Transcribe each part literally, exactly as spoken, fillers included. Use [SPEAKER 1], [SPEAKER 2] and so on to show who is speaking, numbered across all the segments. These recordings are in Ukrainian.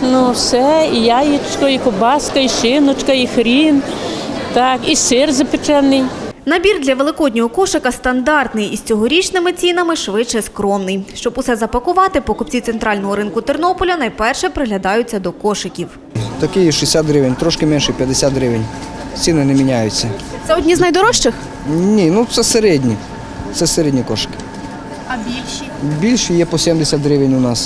[SPEAKER 1] Ну все, і яєчко, і кобаска, і шиночка, і хрін, так, і сир запечений.
[SPEAKER 2] Набір для великоднього кошика стандартний і з цьогорічними цінами швидше скромний. Щоб усе запакувати, покупці центрального ринку Тернополя найперше приглядаються до кошиків.
[SPEAKER 3] Такий шістдесят гривень, трошки менше п'ятдесят гривень. Ціни не міняються.
[SPEAKER 2] Це одні з найдорожчих?
[SPEAKER 3] Ні, ну це середні. Це середні кошики.
[SPEAKER 2] А більші?
[SPEAKER 3] Більші є по сімдесят гривень у нас.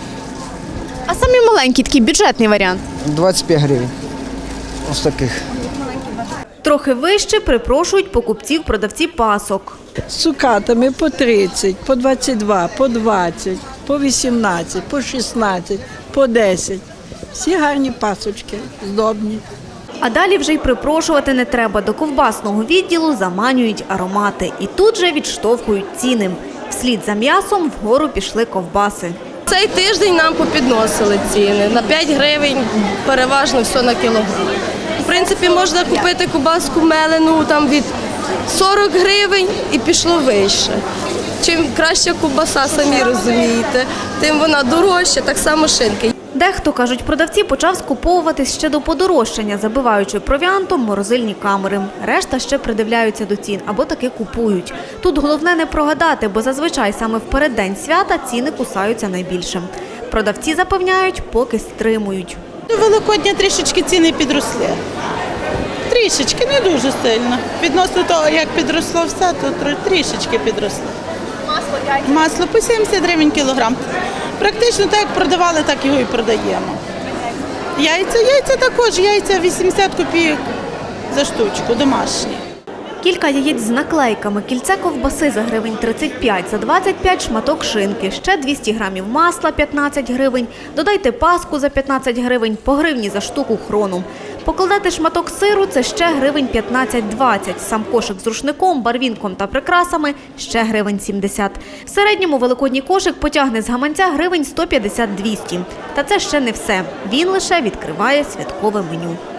[SPEAKER 2] А самі маленькі, такий бюджетний варіант?
[SPEAKER 3] двадцять п'ять гривень. Ось таких.
[SPEAKER 2] Трохи вище припрошують покупців продавці пасок.
[SPEAKER 4] З цукатами по тридцять, по двадцять два, по двадцять, по вісімнадцять, по шістнадцять, по десять. Всі гарні пасочки, здобні.
[SPEAKER 2] А далі вже й припрошувати не треба. До ковбасного відділу заманюють аромати. І тут же відштовхують ціни. Вслід за м'ясом вгору пішли ковбаси.
[SPEAKER 5] Цей тиждень нам попідносили ціни. На п'ять гривень переважно все на кілограм. В принципі, можна купити ковбаску мелену там від сорок гривень і пішло вище. Чим краща ковбаса, самі розумієте, тим вона дорожча, так само шинки.
[SPEAKER 2] Дехто, кажуть продавці, почав скуповуватись ще до подорожчання, забиваючи провіантом морозильні камери. Решта ще придивляються до цін або таки купують. Тут головне не прогадати, бо зазвичай саме в переддень свята ціни кусаються найбільше. Продавці запевняють, поки стримують.
[SPEAKER 6] До Великодня трішечки ціни підросли. Трішечки, не дуже сильно. Відносно того, як підросло все, то трішечки підросли. Масло, яйця? Масло по сімдесят гривень кілограм. Практично так, як продавали, так його і продаємо. Яйця, яйця також, яйця вісімдесят копійок за штучку, домашні.
[SPEAKER 2] Кілька яєць з наклейками, кільце ковбаси за гривень тридцять п'ять, за двадцять п'ять шматок шинки, ще двісті грамів масла п'ятнадцять гривень, додайте паску за п'ятнадцять гривень, по гривні за штуку хрону. Покладати шматок сиру – це ще гривень п'ятнадцять-двадцять, сам кошик з рушником, барвінком та прикрасами – ще гривень сімдесят. В середньому великодній кошик потягне з гаманця гривень сто п'ятдесят - двісті. Та це ще не все. Він лише відкриває святкове меню.